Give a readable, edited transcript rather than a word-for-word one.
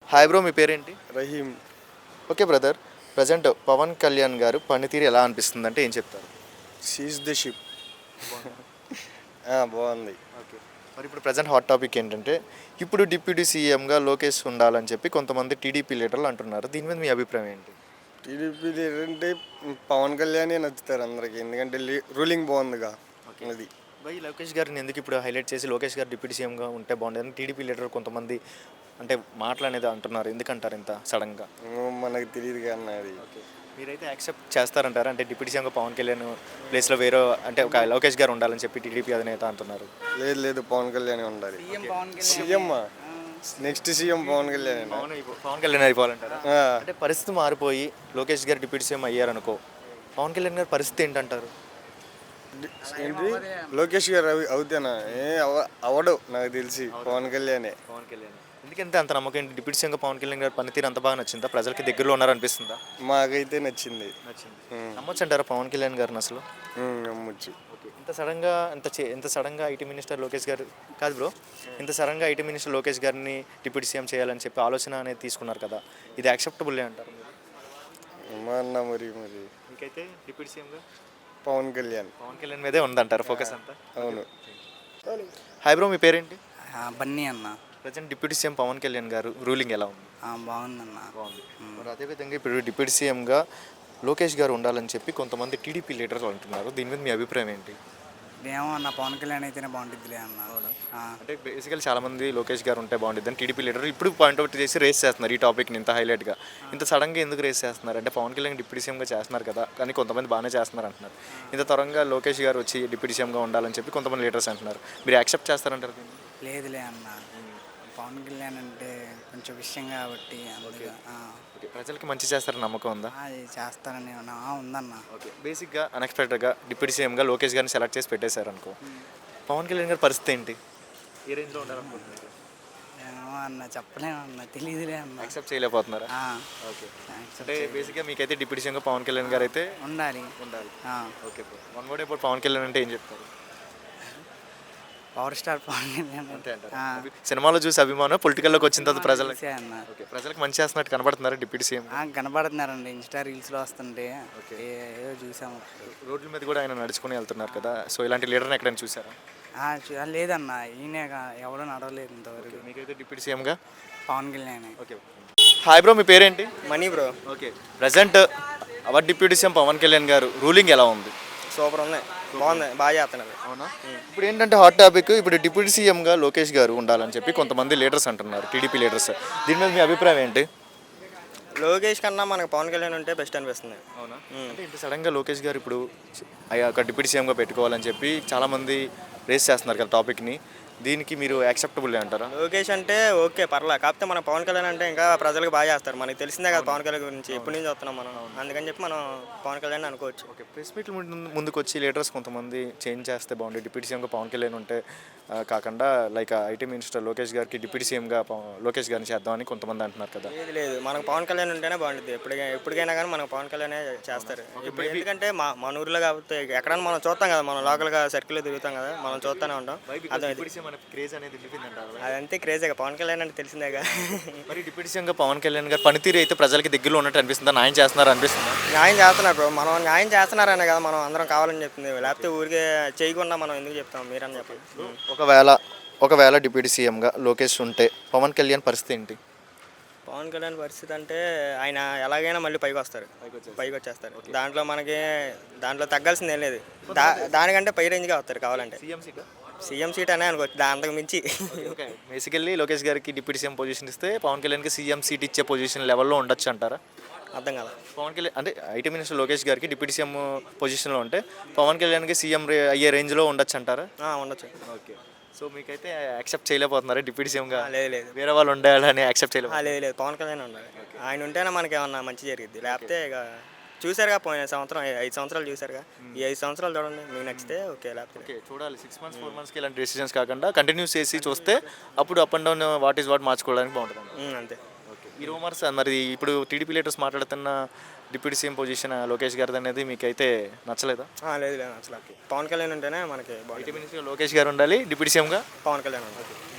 Hi bro, మీ పేరేంటి? Rahim. Okay brother, present Pavan Kalyan గారు పనితీరు ఎలా అనిపిస్తుంది అంటే ఏం చెప్తారు? Seize the ship. బాగుంది. ఓకే, మరి ఇప్పుడు ప్రజెంట్ హాట్ టాపిక్ ఏంటంటే ఇప్పుడు డిప్యూటీ సీఎంగా లోకేష్ ఉండాలని చెప్పి కొంతమంది టీడీపీ లీడర్లు అంటున్నారు. దీని మీద మీ అభిప్రాయం ఏంటి? టీడీపీ ఏంటంటే పవన్ కళ్యాణే నచ్చుతారు అందరికి, ఎందుకంటే రూలింగ్ బాగుందిగా. అది బై లోకేష్ గారిని ఎందుకు ఇప్పుడు హైలైట్ చేసి లోకేష్ గారు డిప్యూటీ సీఎంగా ఉంటే బాగుండేదని టీడీపీ లీడర్ కొంతమంది అంటే మాటలు అంటున్నారు. ఎందుకంటారు ఇంత సడన్గా? మనకు తెలియదు కానీ అది. ఓకే, మీరైతే యాక్సెప్ట్ చేస్తారంటారా? అంటే డిప్యూటీ సీఎంగా పవన్ కళ్యాణ్ ప్లేస్లో వేరే అంటే ఒక లోకేష్ గారు ఉండాలని చెప్పి టీడీపీ అధినేత అంటున్నారు. లేదు లేదు, పవన్ కళ్యాణే ఉండాలి. CM next CM Pavan Kalyan. Pavan Kalyan అయిపోవాలంటారా? అంటే పరిస్థితి మారిపోయి లోకేష్ గారు డిప్యూటీ సీఎం అయ్యారనుకో, పవన్ కళ్యాణ్ గారి పరిస్థితి ఏంటంటారు? ఏంటి లోకేష్ గారు అవుతానా? అవడు నాకు తెలిసి పవన్ కళ్యాణే. పవన్ కళ్యాణ్ ఎందుకంటే అంత నమ్మకం ఏంటి? డిప్యూటీ సీఎంగా పవన్ కళ్యాణ్ గారి పనితీరు అంత బాగా నచ్చిందా? ప్రజలకి దగ్గరలో ఉన్నారనిపిస్తుందా? మాకైతే నచ్చింది. నమ్మొచ్చు అంటారా పవన్ కళ్యాణ్ గారిని అసలు? నమ్మొచ్చు. ఓకే, ఇంత సడన్గా ఐటీ మినిస్టర్ లోకేష్ గారు కాదు బ్రో, ఇంత సడన్గా ఐటీ మినిస్టర్ లోకేష్ గారిని డిప్యూటీ సీఎం చేయాలని చెప్పి ఆలోచన అనేది తీసుకున్నారు కదా, ఇది యాక్సెప్టబుల్ అంటారు మీరు? అన్నా మరి మరి మీకైతే డిప్యూటీ సీఎంగా పవన్ కళ్యాణ్ మీదే ఉందంటారు ఫోకస్ అంతా? అవును. హాయ్ బ్రో, మీ పేరేంటి? బన్నీ అన్న. Present deputy CM Pavan Kalyan గారు రూలింగ్ ఎలా ఉంది? బాగుందన్న. బాగుంది. మరి అదేవిధంగా ఇప్పుడు డిప్యూటీ సీఎంగా లోకేష్ గారు ఉండాలని చెప్పి కొంతమంది టీడీపీ లీడర్లు అంటున్నారు. దీని మీద మీ అభిప్రాయం ఏంటి? ఏమో అన్న, పవన్ కళ్యాణ్ అయితేనే బాగుంటుందిలే అన్న. అంటే బేసికల్ చాలా మంది లోకేష్ గారు ఉంటే బాగుంటుంది అని టీడీపీ లీడర్ ఇప్పుడు పాయింట్అవుట్ చేసి రేస్ చేస్తున్నారు ఈ టాపిక్ని ఇంత హైలైట్గా. ఇంత సడన్గా ఎందుకు రేస్ చేస్తున్నారు అంటే పవన్ కళ్యాణ్ డిప్యూటీ సీఎంగా చేస్తున్నారు కదా, కానీ కొంతమంది బాగానే చేస్తున్నారు అంటున్నారు. ఇంత త్వరగా లోకేష్ గారు వచ్చి డిప్యూటీ సీఎంగా ఉండాలని చెప్పి కొంతమంది లీడర్స్ అంటున్నారు. మీరు యాక్సెప్ట్ చేస్తారంటారు దీన్ని? లేదులే అన్న, పవన్ కళ్యాణ్ అంటే కొంచెం విషయం కాబట్టి అందుకే. ఓకే, ప్రజలకి మంచి చేస్తారని నమ్మకం ఉందా? అది చేస్తారని ఉందన్న. ఓకే, బేసిక్గా అన్ఎక్స్పెక్టెడ్గా డిప్యూటీ సీఎంగా లోకేష్ గారిని సెలెక్ట్ చేసి పెట్టేశారు అనుకో, పవన్ కళ్యాణ్ గారి పరిస్థితి ఏంటి? ఏ రేంజ్లో ఉండాలనుకుంటున్నారు? ఏమో అన్న, చెప్పలేము అన్న, తెలియదులే అన్న. యాక్సెప్ట్ చేయలేకపోతున్నారా? ఓకే, అంటే బేసిక్గా మీకైతే డిప్యూటీ సీఎంగా పవన్ కళ్యాణ్ గారు అయితే ఉండాలి. ఓకే, వన్ వర్డ్ ఇప్పుడు పవన్ కళ్యాణ్ అంటే ఏం చెప్తారు? పవర్ స్టార్ పవన్ కళ్యాణ్ అంతే అంటారు. సినిమాలో చూసి అభిమానం, పొలిటికల్లోకి వచ్చిన తర్వాత ప్రజలకు అన్న. ఓకే, ప్రజలకు మంచి చేస్తున్నట్టు కనబడుతున్నారు డిప్యూటీ సీఎం? కనబడుతున్నారండి, ఇన్స్టా రీల్స్లో వస్తుంటే ఏదో చూసాము. రోడ్ల మీద కూడా ఆయన నడుచుకుని వెళ్తున్నారు కదా, సో ఇలాంటి లీడర్ని ఎక్కడైనా చూసారా? లేదన్న, ఈయనే ఎవడో నడవలేదు ఇంతవరకు. మీకైతే డిప్యూటీ సీఎంగా Pavan Kalyan. Okay. Hi bro, మీ పేరేంటి? Mani bro. Okay, present our deputy CM Pavan Kalyan గారు రూలింగ్ ఎలా ఉంది? సూపర్ ఉంది, బాగుంది, బాగా చేస్తున్నారు. అవునా? ఇప్పుడు ఏంటంటే హాట్ టాపిక్, ఇప్పుడు డిప్యూటీ సీఎంగా లోకేష్ గారు ఉండాలని చెప్పి కొంతమంది లీడర్స్ అంటున్నారు, టీడీపీ లీడర్స్. దీని మీద మీ అభిప్రాయం ఏంటి? లోకేష్ కన్నా మనకు పవన్ కళ్యాణ్ ఉంటే బెస్ట్ అనిపిస్తుంది. అవునా? అంటే ఇంత సడన్గా లోకేష్ గారు ఇప్పుడు ఒక డిప్యూటీ సీఎంగా పెట్టుకోవాలని చెప్పి చాలామంది రేస్ చేస్తున్నారు కదా టాపిక్ని, దీనికి మీరు యాక్సెప్టబుల్ అంటారా? లోకేష్ అంటే ఓకే పర్లే, కాకపోతే మన పవన్ కళ్యాణ్ అంటే ఇంకా ప్రజలకు బాగా చేస్తారు. మనకి తెలిసిందే కదా పవన్ కళ్యాణ్ గురించి, ఎప్పటి నుంచి వస్తున్నాం మనం, అందుకని చెప్పి మనం పవన్ కళ్యాణ్ అనుకోవచ్చు. ఓకే, ప్రెస్ మీట్లు ముందుకు వచ్చి లీడర్స్ కొంతమంది చేంజ్ చేస్తే బాగుంటుంది, డిప్యూటీ సీఎంగా పవన్ కళ్యాణ్ ఉంటే కాకుండా లైక్ ఐటీ మినిస్టర్ లోకేష్ గారికి డిప్యూటీ సీఎంగా లోకేష్ గారిని చేద్దామని కొంతమంది అంటున్నారు కదా. లేదు లేదు, మనకు పవన్ కళ్యాణ్ ఉంటేనే బాగుంటుంది. ఎప్పటికైనా కానీ మనకు పవన్ కళ్యాణే చేస్తారు. ఇప్పుడు ఎందుకంటే మన ఊర్లో కాబట్టి ఎక్కడైనా మనం చూస్తాం కదా, మనం లోకల్గా సర్కిల్లో తిరుగుతాం కదా, మనం చూస్తూనే ఉంటాం. అదంతే క్రేజీగా, పవన్ కళ్యాణ్ అంటే తెలిసిందేగా. మరి డిప్యూటీ సీఎంగా పవన్ కళ్యాణ్ గారు పనితీరు అయితే ప్రజలకి దగ్గరలో ఉన్నట్టు అనిపిస్తుందా? న్యాయం చేస్తున్నారు అనిపిస్తుందా? న్యాయం చేస్తున్నారు బ్రో, మనం న్యాయం చేస్తున్నారనే కదా మనం అందరం కావాలని చెప్తుంది, లేకపోతే ఊరికే చేయకుండా మనం ఎందుకు చెప్తాం, మీరని చెప్పండి. ఒకవేళ డిప్యూటీ సీఎంగా లోకేష్ ఉంటే పవన్ కళ్యాణ్ పరిస్థితి ఏంటి? పవన్ కళ్యాణ్ పరిస్థితి అంటే ఆయన ఎలాగైనా మళ్ళీ పైకి వచ్చేస్తారు. దాంట్లో తగ్గాల్సింది ఏం లేదు, దానికంటే పై రేంజ్గా వస్తారు కావాలంటే. సీఎం సీట్ అనే అనుకోవచ్చు, అంతకు మించి. బేసికల్లీ లోకేష్ గారికి డిప్యూటీ సీఎం పొజిషన్ ఇస్తే పవన్ కళ్యాణ్కి సీఎం సీట్ ఇచ్చే పొజిషన్ లెవెల్లో ఉండొచ్చు అంటారా? అర్థం కదా. పవన్ కళ్యాణ్ అంటే ఐటీ మినిస్టర్ లోకేష్ గారికి డిప్యూటీ సీఎం పొజిషన్లో ఉంటే పవన్ కళ్యాణ్కి సీఎం అయ్యే రేంజ్లో ఉండొచ్చు అంటారా? ఉండొచ్చు. ఓకే, సో మీకైతే యాక్సెప్ట్ చేయలేకపోతున్నారా డిప్యూటీ సీఎంగా? లేదు, వేరే వాళ్ళు ఉండాలని యాక్సెప్ట్ చేయలేదు. లేదు, పవన్ కళ్యాణ్ ఉండాలి. ఆయన ఉంటేనే మనకి ఏమన్నా మంచి జరిగింది, లేకపోతే ఇక చూసారుగా పోయిన సంవత్సరం 5 సంవత్సరాలు చూసారుగా, ఈ 5 సంవత్సరాలు చూడండి, మీకు నచ్చితే ఓకే, లేకపోతే ఓకే చూడాలి. 6 months 4 monthsకి ఇలాంటి డెసిషన్స్ కాకుండా కంటిన్యూస్ చేసి చూస్తే అప్పుడు అప్ అండ్ డౌన్ వాట్ మార్చుకోవడానికి బాగుంటుంది. అంతే. ఓకే, ఈ రూమర్స్ మరి ఇప్పుడు టీడీపీ లీడర్స్ మాట్లాడుతున్న డిప్యూటీ సీఎం పొజిషన్ లోకేష్ గారిది అనేది మీకైతే నచ్చలేదా? లేదు, నచ్చలేదు. పవన్ కళ్యాణ్ ఉంటేనే మనకి ఐటీ మినిస్టర్ లోకేష్ గారు ఉండాలి, డిప్యూటీ సీఎంగా పవన్ కళ్యాణ్ ఉండాలి.